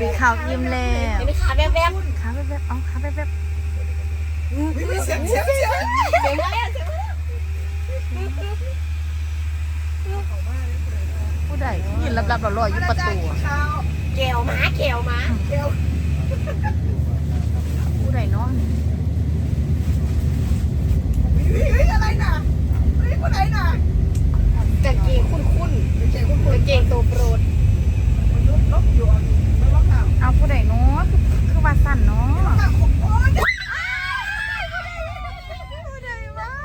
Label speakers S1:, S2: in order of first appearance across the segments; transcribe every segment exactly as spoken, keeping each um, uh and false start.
S1: ปีข่าวยิ้มแล้ว
S2: เป็นขาแบบแบบ
S1: ขาแบบแบบเอาขาแบบแบบ
S3: เสียงเสียงเสียง
S2: เสียงอะไรเสียงอะไร
S1: ผู้ใดยินลับๆหล่อๆอยู่ประตู
S2: แก้วม้าแก้วม้าแก้ว
S1: ผู้ใดเนาะ
S3: เฮ้ยอะไรน่ะเฮ้ยคนไหนน่ะ
S2: กางเกงคุ้นคุ้นกางเกงคุ้นคุ้นกางเกงตัวโปรด
S3: มันลบลบอยู่มันลบข่าว
S1: เอาผู้ใดเนาะคือคือว่าสั่นเนาะ
S3: ข่าวของโอ๊ย
S1: ผู้ใดวะ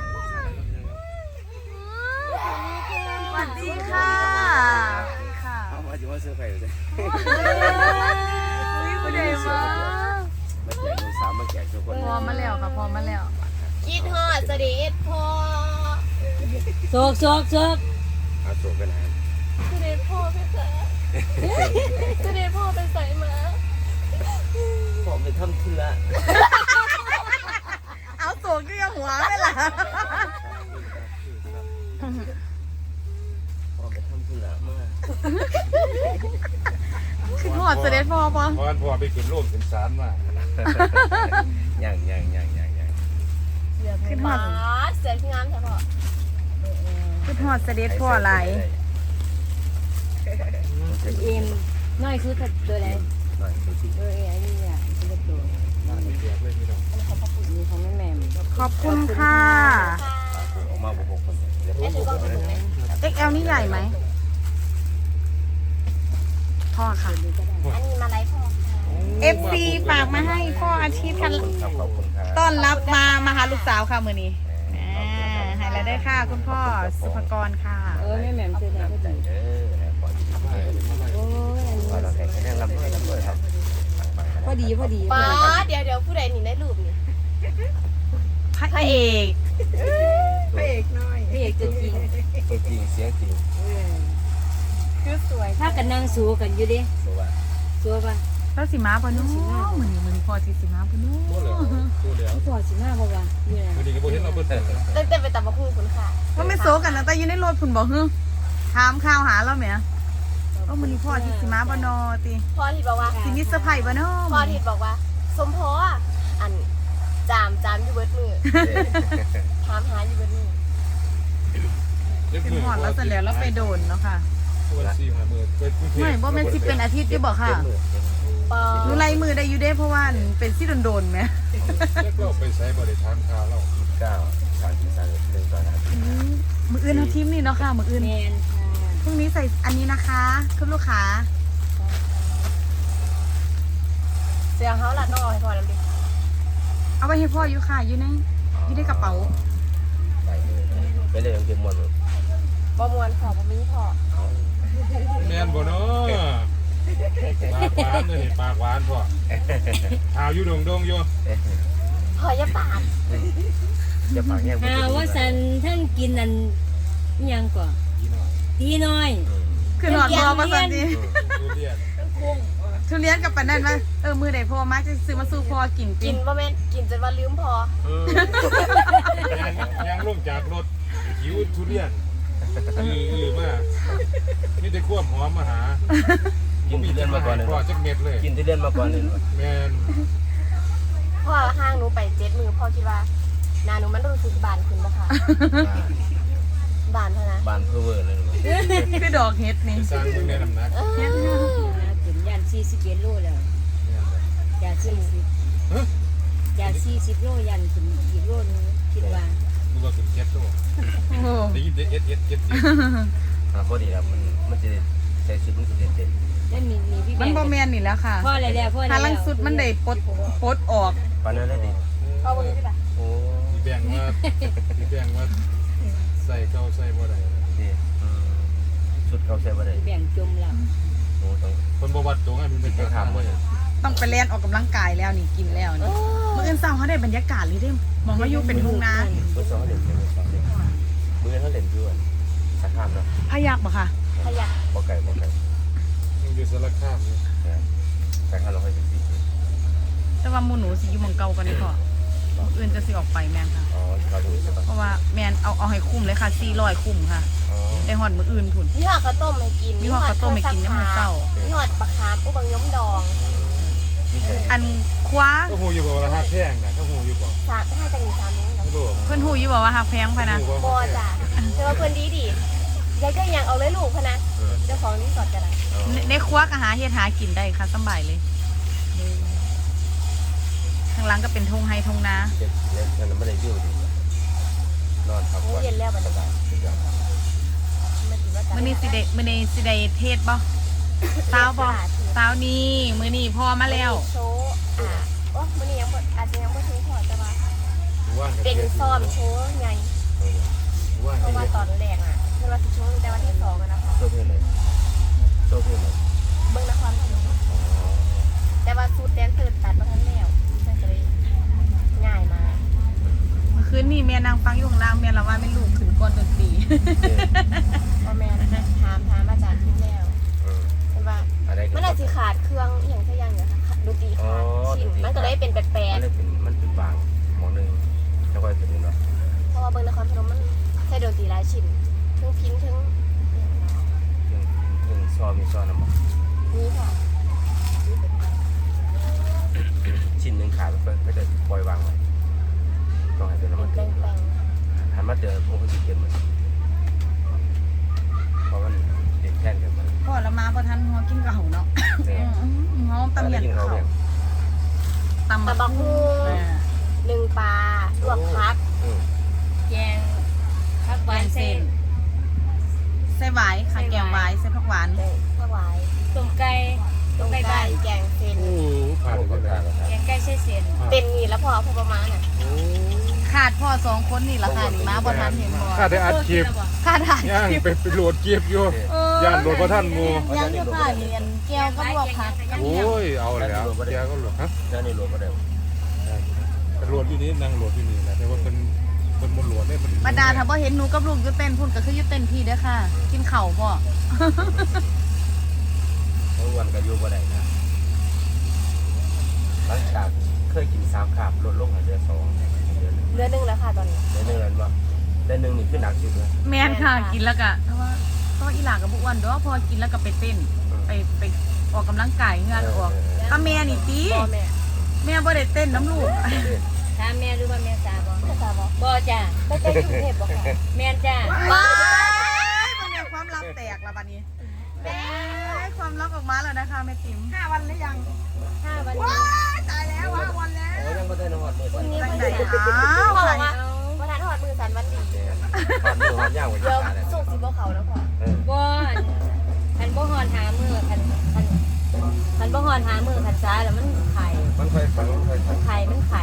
S1: สวัสดีค่ะค่ะ
S4: เอามาอยู่ว่าเสื้อไผ่เลย
S1: ผู้ใดวะ
S4: มาแจกลูกสาวมาแจกทุกคน
S1: พอมาแล้วค่ะพอมาแล้ว
S2: คิดฮอดเสด็จพ่อ
S5: โซกโซกโซก
S4: เอาโศกกันนะ
S2: เสด็จพ่อเป็นสายเสด็จพ่อเป็นสายม้า
S4: ผมไปทำธุระ
S1: เอาตัวก็ยังหัวไม่ล่ะ
S4: ผมไปทำธุระมาก
S1: ขึ้นหอดเสด็จพ่อปะ
S6: พอพอไปขึ้นโลกขึ้นศาลมา
S4: ย่างย่างย่างย่างย่าง
S1: ขึ้นหอ
S2: ม้า
S1: ด
S2: เสือที่งามใช่ปะ
S1: ขึ้นหอดเสด็จพ่ออะไร
S5: เอ็มน้อยคือถัดตัวไหน
S4: หน่อยดูสิ
S5: เออไอ้นี่อ่ะเป็นตัว
S6: น่าจะเสียบเลยพี่น้อง
S5: นี้ของแม่แม่
S1: ขอบคุณค่ะ
S4: ออกมาบุกหกคนเดี๋ยว
S2: แม่ถือกล้องถูกไหม
S1: เอ็กแอลนี่ใหญ่ไหมพ่อค่ะ
S2: อันนี้มาไลฟ์พ่อ
S1: เอฟซีฝากมาให้พ่ออาทิตย์ค่ะ
S4: ครับขอบคุณครับ
S1: ต้อนรับมามาหาลูกสาวค่ะมือนี้อ่าให้แล้วได้ค่ะคุณพ่อสุภกรค่ะ
S5: เออแม่แม่เจอไหนก็
S4: ใจ
S5: ดี
S4: เด้อนะขอดี
S5: โอ้ย
S4: ขอเราแข่งกันลำด้วยลำด้วยครับ
S5: พอดีพอดี
S2: ป้าเดี๋ยวเดี๋ยวผู้ใดหนีได้รูปนี่
S1: พระเอก
S3: พระเอกน้อย
S5: พี่เอกจะจริง
S4: จริงเสียงจริง
S2: คือสวย
S5: ถ้ากันนั่งสู้กันอยู่ดิ
S4: สวัสดี
S5: สู้ป่ะ
S1: แล้วสีม้าปะเนู้มือนี้มือนี้พ่อที่สีม้าปะเนู้
S6: โม่เลยตัวเดียว
S5: พี่พอสิมาบ่วะอยู่ไหน
S6: พอดีก็บอกเห็นเราเพิ่นเติม
S2: เต้นเต้นไปตับมะพร้าวคุณค่ะ
S1: ว่าไม่โซกันนะแต่อยืนในรถคุณบอกเฮ้ถามข่าวหาเราไหมว่ามือนี้พ่อที่สีม้าปะนอตี
S2: พ่อที่บอกว่า
S1: สีมิสไพรส์ปะเนาะ
S2: พ่อที่บอกว่า สมพออันจามจามอยู่เบิดมือถามหาอยู่เบิดมือ
S1: เป็นหอดแล้วเสร็จแล้วแล้วไปโดนเนาะค่ะ
S6: ตัวซีมาเมื่อไปกรุงเทพ
S1: ไม่ว่ามันสิเป็นอาทิตย์ที่บอกค่ะ
S2: ปอ
S1: หนูไล่มือได้อยู่ได้เพราะว่าเป็นซี่โดนๆไหม
S6: แล้วก็ไปใช้บริทามคาเรา
S4: เก้าสามสี่สามเรื่องตอนนั้น
S1: มืออื่นเอาทีมนี่เนาะค่ะมืออื่น
S5: แมนค่ะ
S1: พรุ่งนี้ใส่อันนี้นะคะคุณลูกค้า
S2: เสียงเขาหลัดน้องเอาให้พ่อแล้วดิ
S1: เอาไปให้พ่ออยู่ค่ะอยู่ในอยู่ในกระเป๋า
S4: ไปเลยไปเลยยังเก็บหมดเลย
S2: บ่มวนพ่อบ่มีพ่อ
S6: แม่นบ่เนาะปากหวานเลยปากหวานพ่อข่าวอยู่ดงดงอยู่
S2: พ่ออย่าปาด
S4: จะปากแง่
S5: หาว่าสันท่านกินอันยังก่อนดีน้อย
S1: คือหนอนบอมาสันดี
S6: ทุเรียน
S1: ทุเรียนกับปันนั่นว่าเออมือไหนพ่อมาจะซื้อมาสู้พ่อกิน
S2: กิ
S1: กิ
S2: น
S1: น
S2: บ่แม่นกินจนว่าลืมพ่อ
S6: เออยังยังลงจากรถหิวทุเรียนอืออือมากมีแต่ควบหอมมาหา
S4: กินทุเรียนมาก่อนเลย
S6: พ่อจักเม็ดเลย
S4: กินทุเรียนมาก่อนเลย
S6: แม่น
S2: พ่อห้างหนูไปเจ็ดมือพ่อคิดว่าหนาหนูมันรู้สึกบานขึ้นบ่ค่ะบานเท่านะ
S4: บานเพอเวอร์เลย
S1: คือดอกเห็ดนี่
S6: สร้างมึงในน้ำหนัก
S1: เห็ด
S5: ถึงยันสี่สิบเอ็ดโลแล้วยันสี่สิบยันสี่สิบโลยันถึงอีกโลนึงคิดว่า
S6: มึงก็ขึ้นเก็ตตัว
S1: โอ้โห
S6: ได้ยินแต่เอสเอสเก็ตสิ
S4: พอดีครับมันมันจะใส่ชุดมันจะเด่น
S5: แล้วมีมีพี่แบ
S1: มัน
S5: ง
S1: บอแมนนี่แล้วค่ะ
S5: พ่ออะไรแล้วพ่ออะไร
S1: ถ้า
S5: แล้ว
S1: ลังสุดมันได้ปลดปลดออก
S4: ปานนั้นได้ดิ
S2: พ่อบ่รู้ใช่ปะ
S4: โอ้
S6: มีแบ่งว่ามีแบ่งว่าใส่เก้าใส่บ่ได้
S4: ดีชุดเขาใส่บ่ได้
S5: แบ่งจมแล้ว
S4: โอ้ต้อง
S6: คนบ่วัดตัวไงมันเป็น
S4: ไป
S6: กระ
S4: ถาม
S6: ทำ
S4: ว่า
S6: เลย
S1: ต้องไปเล่นออกกำลังกายแล้วนี่กินแล้วนี่มื่ออื่นเศร้าเขาได้บรรยากาศเลยได้มองว่าอยู่เป็นทุ่งนา
S4: ฟุตซอลเด่นเป็นฟุตซอลเด่นมือเขาเด่นด้วยสักข้ามเนาะ
S1: พยักบ่ค่ะ
S2: ขยัก
S4: บ่ไก่บ่ไก่
S6: ยังอยู่สารคามอยู่
S4: สักข้ามเราค่อยเป็นสี
S1: แต่ว่าหมูหนูสิอยู่เมืองเก่ากันนี่พอมื้ออื่นจะสิออกไปแมนค่ะ
S4: อ๋อเราดูใช่ปะ
S1: เพราะว่าแมนเอาเอาให้คุ้มเลยค่ะสี่ร้อยคุ้มค่ะ
S4: อ๋อ
S1: ได้ฮอดมื้ออื่นพุ่น
S2: มีหอดข้าวต้มให้กิน
S1: มีฮอดข้าวต้มให้กินในมื้อเช้า
S2: มีหอดปลาคาร์ฟอุบังย้อมดอง
S4: นี่เลย
S1: อันคว้า
S6: ก็หูอยู่บ่ว่าราคาแพงนะก็หูอยู่บ่
S2: สามห้าจังหวัดสามนี้นะ
S6: ไม่รู้
S1: เพิ่นฮู้อยู่บ่ว่าฮักแพงพะนะ
S2: บอจ้ะแต่ว่าเพื่อนดีดียายก็ยังเอาเลยลูกพะนะเจ้าของรีสอร์ทกันนะ
S1: ในในครัวก็หาเฮ็ดหากินได้ค่ะสำบายเลยข้างหลังก็เป็นทงไฮทงนา
S4: เจ็บเล่นกันไม่ได้วิวดินอนพัก
S2: มื้อ
S4: ผ่อน
S2: เย็นแล้วบัดนี้
S4: สุดยอด
S2: มันถือว่า
S1: มื้อนี้สิได้มื้อนี้สิได้เทศบ่สาวบ่สาวนี้มื้อนี้พ่อมาแล้ว
S2: โชว์อ่ะโอ้มื้อนี้ยังบ่อาจจะยังบ่ถึงพอแต่ว่า
S6: ว่าง
S2: เป็นซ้อมโชว์ไง
S6: ว่าง
S2: เพราะว่า
S6: ที่
S2: ตอนแรกอ่ะเวลาสิโชว์แต่วันที่สองอะนะคะ
S4: โซ่เพื่อนเลยโซ่เพื่อนเลย
S2: เบิ่งนครพนมแต่ว่าสูตรแดนเซอร์ตัดมาทั้งแล้วมันก็เลยง่ายมาก
S1: เมื่อคืนนี้แม่นางฟังอยู่ข้างล่างแม่ละว่าแม่ลูกขึ้นก่อนดนตรี
S2: พ่อแม่ถามถามอาจารย์ทิพย์แล้วเห็นว่า
S4: อะไรกัน
S2: มันอาจจะขาดเครื่องอหย่างสักอย่างเนี่ยค่ะดนตรีขาดชิ้นมันก็เลยเป็นแปล
S4: มั
S2: ก
S4: นเลยเป็นมันเป็นบางหมอหนึ่งแล้วก็เป็นเนาะ
S2: ๆเพราะว่าเบิ่งนครพนมมันใช้ดนตรีหลายชิ้นทั้งพินทั้ง
S4: ถึงถึงซอมีซอน้ำมัน
S2: นี้ค่ะ
S4: ชิ้นหนึ่งขาดก็ก็จะปล่อยวางไว้ต้องให้เป็นน้ำมัน
S2: แป
S4: เตื
S2: ล
S4: อน
S2: งแปลง
S4: หันมาเจอพวกที่เกินมันเพราะมันเด็ดแค่นกันมัน
S1: พ่อละมาบ่ทันหัวกินกะเฮาเนาะ
S4: เนี่ย
S1: อืมหอมตำเหยียน
S4: กิน
S1: เขา
S4: เขาเนี่ย
S1: ตำ
S2: ตะบักฮู
S1: อ่า
S2: หนึ่งปลาลวกพัก
S4: อืม
S5: แกงผักห
S1: แก
S5: วาน
S1: ง
S5: เส้
S1: เส้
S5: น
S1: นใส่หวายค่ะแกงหวายใส่ผักหวาน
S2: แกงข้าวหวาย
S5: ต้มไก่
S2: ต้
S5: ต้
S2: ม
S5: มไก่
S2: ไก่
S5: บ้าน
S2: แกงเส้น
S6: โอ้ผ่าน
S4: โอ้
S6: ไป
S4: ก็
S6: แล้
S4: ทาน
S6: ว
S4: แล้ว
S5: แกงไก่ใส่เส้น
S2: เป็นนี่แล้วพอพอประมาณน่ะ
S6: โอ้
S1: ขาดพ่อสองคนนี่ละค่ะนี่มาบ่ทันเห็นบ่
S6: ข้าได้อัดคลิป
S1: ขาดหา
S6: ย่าง
S1: คลิป
S6: ไปไปโหลดเก็บอยู่
S1: เออย่
S6: านโหลดบ่ทันหมู่
S1: ยังอยู่ค่ะเรียนแก้วก็ลวกผักยัง
S6: โอ้ยเอาแล้วแกก็โหลดฮะ
S4: แล้วนี่รวมก็ได้
S6: ไปโหลดอยู่นี่นั่งโหลดอยู่นี่แหละแต่ว่าเป็นเป็นบนโหลดเนี่ยมัน
S1: บรรดาถ้าบ่เห็นหนูกับลูกอยู่เต้นพุ่นก็คืออยู่เต้นพี่เด้อค่ะ กินข้าวบ่
S4: ทั้งวันก็อยู่ก็ได้นะหลังจากเคยกินสามขาบลดลงให้เหลือสองเดือน
S2: เรือหนึงแล้วค่ะตอนนี้
S4: เดือนหนึ่งแล้วว่าเดือนหนึ่งนี่ขึ้นหนักสุดเลย
S1: แม่นค่ะกินแล้วก็เพราะว่าเพราะว่าอีหลากับบ่อ้วนเด้อพอกินแล้วก็ไปเต้น ไปไปออกกำลังกายเหงื่อออกถ้าแม่นี่ติ
S2: พ่อแม่
S1: แม่บ่ได้เต้นน้ำลูก
S5: ถามแม่หรือว่าแม่สาบ่
S2: ภาษาบอก
S5: บ่จ้ะ
S2: ไม่ใช่กรุงเทพบอกค่ะ
S5: แม่นจ้ะ
S1: ว้ายมันเนี่ยความลับแตกแล้วบัดนี้
S2: แม่
S1: เอ้ยความลับออกมาแล้วนะคะแม่ติ๋ม
S3: ห้าวันหรือยัง
S5: ห้าวัน
S3: ว้าตายแล้วห้าวันแล้ว
S4: โอ้ยังไม่ได้นอนเลย
S2: วันนี้
S1: จัง
S2: วัน
S1: ได
S2: ที่
S1: อ้าว
S2: พ่อ
S1: ใคร
S2: บอกว่าวันนั้นหอดมือสันวันดี
S4: ทอดมือทอดย่างไว้
S2: เดี๋ยว
S4: ที่
S2: สุกสิบ่เขาแล้วพ่อ
S4: เออ
S5: บ่คันบ่ฮอนหามือคันคันคันบ่ฮอนหามือคันซ้ายแล้วมันไข่
S4: มันค่อยฟังมันค่อยฟั
S5: มั
S4: ง
S5: นไข่มันไข่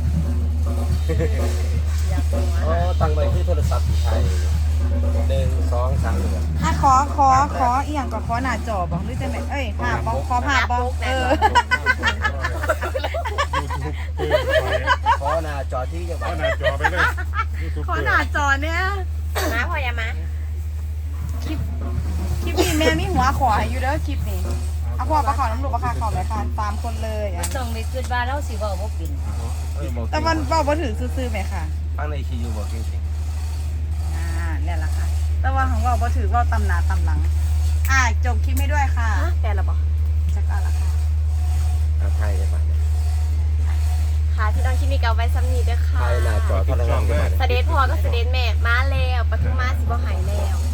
S5: อยากหัว
S4: อ๋อตั้งไว้ที่โทรศัพท์ที่ไทยหนึ่งสองสามหนึ่ง
S1: อ่ะขอขอขออีหยังก็ขอหน้าจอบ่หรือจังไดเอ้ยภาพบ่ขอภาพบ่เออ
S6: ยูทูบเบอร์
S4: ขอหน้าจอที่จังหวั
S6: เอา
S4: ด
S6: หน้าจอไปเลยยูทูบ
S1: ขอ
S6: เบอร์
S1: หน้าจอเนี่ย
S2: มาพ่ออย่ามา
S1: คลิปคลิปนี้แม่มีหัวขอให้อยู่เด้อคลิปนี้เอาพ่อประขอน้ำลูกประคาขอเลยค่ะตามคนเลยอ่ะ
S5: ต้องไปคิดว่าเราสิเว้าบ่เป็น
S1: แต่มันเว้าบ่ถือซื่อๆไหมค่ะ
S4: ฟังในคียูบอกจริง
S1: อ่าเนี่ยแหละค่ะ แต่ว่าของเว้าบ่ถือเว้าตำหนาตำหลัง อ่าจบคลิปให้ด้วยค่ะ
S2: ฮะแปลแล้วบอก
S1: จักเอาละค่ะ
S4: ๆเอาไทยได้ป่ะเนี่ย
S2: ค่ะที่น้องคิมิกเอาไว้ซ้ำนี้เด้อค่ะ
S4: ไทยหน้าจอพลังงานได้
S2: เสด็จพ่อก็เสด็จแม่มาแล้วปทุมมาสิบ่หายแล้ว